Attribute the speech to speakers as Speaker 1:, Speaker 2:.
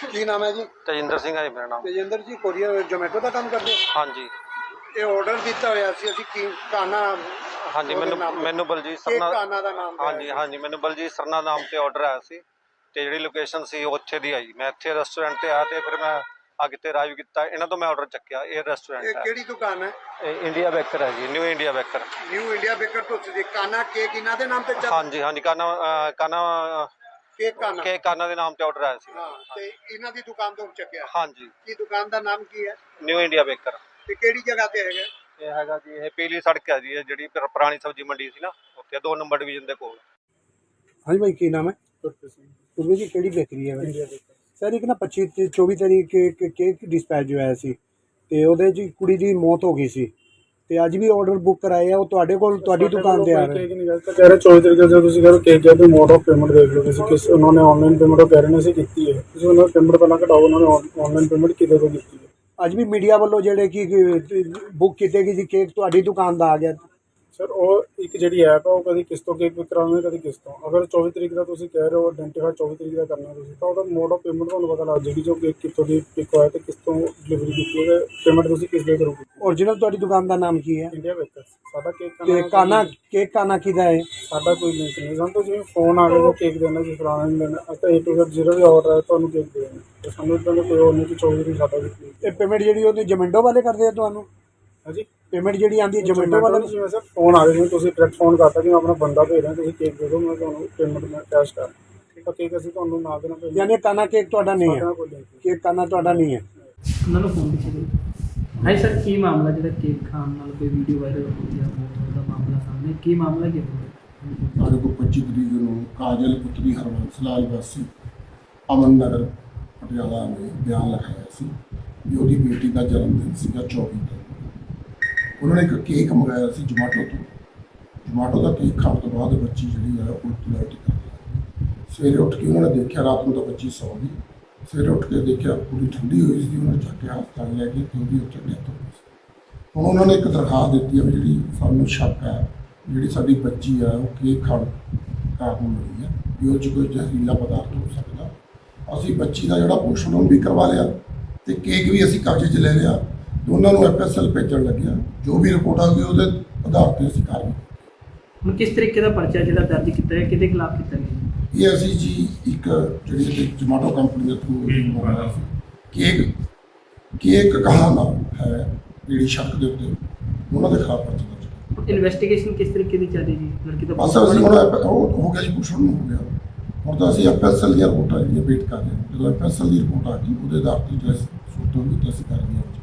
Speaker 1: ਕੀ ਨਾਮ ਹੈ ਜੀ?
Speaker 2: ਤੇਜਿੰਦਰ ਸਿੰਘ ਹੈ ਮੇਰਾ ਨਾਮ।
Speaker 1: ਤੇਜਿੰਦਰ ਜੀ ਕੋਰੀਅਰ ਜ਼ੋਮੈਟੋ ਦਾ ਕੰਮ ਕਰਦੇ ਹੋ?
Speaker 2: ਹਾਂਜੀ
Speaker 1: ਇਹ ਆਰਡਰ ਦਿੱਤਾ ਹੋਇਆ ਸੀ ਅਸੀਂ ਕੀ ਕਾਨਾ।
Speaker 2: ਹਾਂਜੀ ਮੈਨੂੰ ਬਲਜੀਤ
Speaker 1: ਕੀ
Speaker 2: ਸਰਨਾ।
Speaker 1: ਕਾਨਾ ਦਾ ਨਾਮ
Speaker 2: ਹਾਂਜੀ ਮੈਨੂੰ ਬਲਜੀਤ ਸਰਨਾ ਨਾਮ ਤੇ ਆਰਡਰ ਆਇਆ ਸੀ ਤੇ ਜਿਹੜੀ ਲੋਕੇਸ਼ਨ ਸੀ ਉੱਥੇ ਦੀ ਆਈ। ਮੈਂ ਇੱਥੇ ਰੈਸਟੋਰੈਂਟ ਤੇ ਆਇਆ ਤੇ ਫਿਰ ਮੈਂ ਅੱਗੇ ਤੇ ਅਰਾਈਵ ਕੀਤਾ। ਇਹਨਾਂ ਤੋਂ ਮੈਂ ਆਰਡਰ ਚੱਕਿਆ। ਇਹ ਰੈਸਟੋਰੈਂਟ
Speaker 1: ਇਹ
Speaker 2: ਹੈ।
Speaker 1: ਕਿਹੜੀ ਦੁਕਾਨ ਹੈ?
Speaker 2: ਇਹ ਇੰਡੀਆ ਬੇਕਰ ਹੈ ਜੀ, New India Baker.
Speaker 1: New India Baker ਤੋਂ ਤੁਸੀਂ ਕਾਨਾ ਕੇਕ ਇਹਨਾਂ ਦੇ ਨਾਮ ਤੇ ਚੱਲ?
Speaker 2: ਹਾਂਜੀ ਕਾਨਾ ਕੇਕ ਕਾਨਾ ਦੇ ਨਾਮ ਤੇ ਆਰਡਰ ਆਇਆ ਸੀ।
Speaker 1: ਹਾਂ ਤੇ ਇਹਨਾਂ ਦੀ ਦੁਕਾਨ ਤੋਂ ਚੱਕਿਆ?
Speaker 2: ਹਾਂਜੀ।
Speaker 1: ਕੀ ਦੁਕਾਨ ਦਾ ਨਾਮ ਕੀ ਹੈ?
Speaker 2: New India Baker.
Speaker 1: ਤੇ ਕਿਹੜੀ ਜਗ੍ਹਾ ਤੇ ਹੈਗਾ?
Speaker 2: ਇਹ ਹੈਗਾ ਜੀ, ਇਹ ਪੀਲੀ ਸੜਕ ਹੈ ਜੀ, ਇਹ ਜਿਹੜੀ ਪੁਰਾਣੀ ਸਬਜ਼ੀ ਮੰਡੀ ਸੀ ਨਾ ਉੱਥੇ 2 ਨੰਬਰ ਡਿਵੀਜ਼ਨ ਦੇ ਕੋਲ।
Speaker 1: ਹਾਂਜੀ ਭਾਈ ਕੀ ਨਾਮ ਹੈ? ਗੁਰਪ੍ਰੀਤ ਜੀ ਕਿਹੜੀ ਬੇਕਰੀ ਹੈ? ਸਰ ਇੱਕ ਨਾ 24 ਤਰੀਕ ਕੇਕ ਡਿਸਪੈਚ ਹੋਇਆ ਸੀ ਤੇ ਉਹਦੇ 'ਚ ਕੁੜੀ ਦੀ ਮੌਤ ਹੋ ਗਈ ਸੀ ਤੇ ਅੱਜ ਵੀ ਆਰਡਰ ਬੁੱਕ ਕਰਾਏ ਆ। ਉਹ ਤੁਹਾਡੇ ਕੋਲ ਤੁਹਾਡੀ ਦੁਕਾਨ ਤੇ ਆ ਰਹੇ?
Speaker 3: ਕੇਕ ਨਹੀਂ ਗੱਲ ਤਾਂ ਕਹਿ ਰਹੇ 24 ਤਰੀਕ ਦੇ ਤੁਸੀਂ ਕਰੋ ਕੇਕ ਜਾਂ ਮੋਡ ਆਫ ਪੇਮੈਂਟ ਦੇਖ ਲਓ ਤੁਸੀਂ ਕਿਸ ਉਹਨਾਂ ਨੇ ਆਨਲਾਈਨ ਪੇਮੈਂਟ ਉਹ ਕਹਿ ਰਹੇ ਨੇ ਅਸੀਂ ਕੀਤੀ ਹੈ। ਤੁਸੀਂ ਉਹਨਾਂ ਪੇਮੈਂਟ ਪਹਿਲਾਂ ਘਟਾਓ, ਉਹਨਾਂ ਨੇ ਆਨਲਾਈਨ ਪੇਮੈਂਟ ਕਿਤੇ ਤੋਂ ਕੀਤੀ ਹੈ।
Speaker 1: ਅੱਜ ਵੀ ਮੀਡੀਆ ਵੱਲੋਂ ਜਿਹੜੇ ਕਿ ਬੁੱਕ ਕੀਤੇ ਗਏ ਸੀ ਕੇਕ ਤੁਹਾਡੀ ਦੁਕਾਨ ਦਾ ਆ ਗਿਆ?
Speaker 3: ਸਰ ਉਹ ਇੱਕ ਜਿਹੜੀ ਐਪ ਆ ਉਹ ਕਦੀ ਕਿਸ ਤੋਂ ਕੇਕ ਕਰਾਉਂਦੇ ਕਦੀ ਕਿਸ ਤੋਂ। ਅਗਰ 24 ਤਰੀਕ ਦਾ ਤੁਸੀਂ ਕਹਿ ਰਹੇ ਹੋ ਆਇਡੈਂਟੀਫਾਈ 24 ਤਰੀਕ ਦਾ ਕਰਨਾ ਤੁਸੀਂ ਤਾਂ ਉਹਦਾ ਮੋਡ ਆਫ ਪੇਮੈਂਟ ਤੁਹਾਨੂੰ ਪਤਾ ਲੱਗ ਜਾਏਗੀ ਜੋ ਕੇਕ ਕਿੱਥੋਂ ਦੀ ਪਿਕ ਹੋਇਆ ਤੇ ਕਿਸ ਤੋਂ ਡਿਲੀਵਰੀ ਕੀਤੀ ਹੈ। ਪੇਮੈਂਟ ਤੁਸੀਂ ਕਿਸ ਦੇ ਕਰੋਗੇ?
Speaker 1: ਓਰੀਜਨਲ ਤੁਹਾਡੀ ਦੁਕਾਨ ਦਾ ਨਾਮ ਕੀ ਹੈ?
Speaker 3: India Baker. ਸਾਡਾ ਕੇਕ
Speaker 1: ਕੇਕ ਕਾਨਾ ਕਿਹਦਾ ਹੈ?
Speaker 3: ਸਾਡਾ ਕੋਈ ਲਿੰਕ ਨਹੀਂ। ਸਾਨੂੰ ਤਾਂ ਜਿਵੇਂ ਫੋਨ ਆ ਗਿਆ ਕੇਕ ਦੇਣਾ ਜੀ ਫਲਾਣਾ ਨਹੀਂ ਦੇਣਾ ਅਸੀਂ ਤਾਂ A to Z ਜਿਹੜਾ ਵੀ ਆਰਡਰ ਹੈ ਤੁਹਾਨੂੰ ਕੇਕ ਦੇ ਦੇਣਾ ਤੇ ਸਾਨੂੰ ਇੱਦਾਂ ਦਾ ਕੋਈ ਹੋਰ ਨਹੀਂ ਕਿ 24 ਤਰੀਕ ਸਾਡਾ ਵੀ।
Speaker 1: ਇਹ ਪੇਮੈਂਟ ਜਿਹੜੀ ਉਹਦੇ ਜ਼ੋਮੈਟੋ ਵਾਲੇ ਕਰਦੇ ਆ ਤੁਹਾਨੂੰ?
Speaker 3: ਹਾਂਜੀ
Speaker 1: ਪੇਮੈਂਟ ਜਿਹੜੀ ਆਉਂਦੀ ਹੈ ਜ਼ੋਮੈਟੋ ਵਾਲੇ?
Speaker 3: ਜਿਵੇਂ ਸਰ ਫੋਨ ਆ ਗਿਆ ਤੁਸੀਂ ਡਾਇਰੈਕਟ ਫੋਨ ਕਰਤਾ ਕਿ ਮੈਂ ਆਪਣਾ ਬੰਦਾ ਭੇਜ ਰਿਹਾ ਤੁਸੀਂ ਕੇਕ ਦੇ ਦਿਓ ਮੈਂ ਤੁਹਾਨੂੰ ਪੇਮੈਂਟ ਮੈਂ ਕੈਸ਼ ਕਰ ਤਾਂ ਕੇਕ ਅਸੀਂ ਤੁਹਾਨੂੰ ਨਾ ਦੇਣਾ ਪਏਗਾ।
Speaker 1: ਯਾਨੀ ਕਾਨਾ ਕੇਕ ਤੁਹਾਡਾ ਨਹੀਂ ਹੈ? ਕੇਕ ਕਾਨਾ ਤੁਹਾਡਾ ਨਹੀਂ ਹੈ?
Speaker 4: ਉਹਨਾਂ ਨੂੰ ਫੋਨ ਪਿੱਛੇ ਹਾਂਜੀ ਸਰ ਕੀ ਮਾਮਲਾ ਜਿਹੜਾ ਕੇਕ ਖਾਣ ਨਾਲ ਕੋਈ ਵੀਡੀਓ ਵਾਇਰਲ ਹੋ ਗਿਆ ਬਹੁਤ ਦਾ ਮਾਮਲਾ ਸਾਹਮਣੇ ਕੀ ਮਾਮਲਾ ਕੀ ਹੈ?
Speaker 5: ਸਾਡੇ ਕੋਲ 25 ਤਰੀਕ ਨੂੰ ਕਾਜਲ ਪੁੱਤਰੀ ਹਰਬੰਸ ਲਾਲ ਵਾਸੀ ਅਮਨ ਨਗਰ ਪਟਿਆਲਾ ਨੇ ਬਿਆਨ ਲਿਖਾਇਆ ਸੀ ਵੀ ਉਹਦੀ ਬੇਟੀ ਦਾ ਜਨਮ ਦਿਨ ਸੀਗਾ 24 ਨੂੰ। ਉਹਨਾਂ ਨੇ ਇੱਕ ਕੇਕ ਮੰਗਾਇਆ ਸੀ ਜਮਾਟੋ ਦਾ ਕੇਕ ਖਾਣ ਤੋਂ ਬਾਅਦ ਬੱਚੀ ਜਿਹੜੀ ਹੈ ਉਲਟੀ ਕਰ ਗਈ। ਸਵੇਰੇ ਉੱਠ ਕੇ ਉਹਨਾਂ ਨੇ ਦੇਖਿਆ, ਰਾਤ ਨੂੰ ਤਾਂ ਬੱਚੀ ਸੌ ਗਈ। ਸਵੇਰੇ ਉੱਠ ਕੇ ਦੇਖਿਆ ਪੂਰੀ ਠੰਡੀ ਹੋਈ ਸੀ। ਉਹਨਾਂ ਨੇ ਚੱਕਿਆ ਹਸਪਤਾਲ ਲੈ ਕੇ ਤੇ ਉਹਦੀ ਉੱਥੇ ਡੈਥ ਹੋ ਗਈ ਸੀ। ਹੁਣ ਉਹਨਾਂ ਨੇ ਇੱਕ ਦਰਖਾਸਤ ਦਿੱਤੀ ਹੈ ਵੀ ਜਿਹੜੀ ਸਾਨੂੰ ਸ਼ੱਕ ਹੈ ਜਿਹੜੀ ਸਾਡੀ ਬੱਚੀ ਆ ਉਹ ਕੇਕ ਖਾਣ ਕਾਰਨ ਮਰੀ ਹੈ ਵੀ ਉਹ 'ਚ ਕੋਈ ਜ਼ਹਿਰੀਲਾ ਪਦਾਰਥ ਹੋ ਸਕਦਾ। ਅਸੀਂ ਬੱਚੀ ਦਾ ਜਿਹੜਾ ਪੋਸਟਮਾਰਟਮ ਵੀ ਕਰਵਾ ਲਿਆ ਤੇ ਕੇਕ ਵੀ ਅਸੀਂ ਕਬਜ਼ੇ 'ਚ ਲੈ ਲਿਆ। ਦੋਨਾਂ ਨੂੰ FSL ਭੇਜਣ ਲੱਗਿਆ। ਜੋ ਵੀ ਰਿਪੋਰਟ ਆ ਗਈ ਉਹਦੇ ਆਧਾਰ 'ਤੇ ਅਸੀਂ ਕਾਰਵਾਈ।
Speaker 4: ਹੁਣ ਕਿਸ ਤਰੀਕੇ ਦਾ ਪਰਚਾ ਜਿਹੜਾ ਦਰਜ ਕੀਤਾ ਹੈ ਕਿਹਦੇ ਖਿਲਾਫ ਕੀਤਾ ਗਿਆ?
Speaker 5: ਇਹ ਅਸੀਂ ਜੀ ਇੱਕ ਜਿਹੜੀ ਜਮਾਟੋ ਕੰਪਨੀ ਦੇ ਥਰੂ ਕੇਕ ਕਹਾਣਾ ਹੈ ਜਿਹੜੀ ਸ਼ੱਕ ਦੇ ਉੱਤੇ ਉਹਨਾਂ ਦੇ ਖਿਲਾਫ ਪਰਚਾ ਦਰਜ।
Speaker 4: ਇਨਵੈਸਟੀਗੇਸ਼ਨ ਕਿਸ ਤਰੀਕੇ ਦੀ ਚੱਲ ਰਹੀ ਜੀ ਲੜਕੀ ਦਾ?
Speaker 5: ਬਸ ਅਸੀਂ ਹੁਣ ਹੋ ਗਿਆ ਜੀ ਪੁੱਛਣ ਨੂੰ ਹੋ ਗਿਆ। ਹੁਣ ਤਾਂ ਅਸੀਂ FSL ਦੀਆਂ ਰਿਪੋਰਟਾਂ ਜਿਹੜੀਆਂ ਵੇਟ ਕਰ ਰਹੇ ਹਾਂ। ਜਦੋਂ FSL ਦੀ ਰਿਪੋਰਟ ਆ ਗਈ ਉਹਦੇ ਆਧਾਰ 'ਤੇ ਜਿਹੜਾ ਸੂਤ ਹੋਊਗੀ ਤਾਂ ਅਸੀਂ ਕਰ ਰਹੇ ਹਾਂ।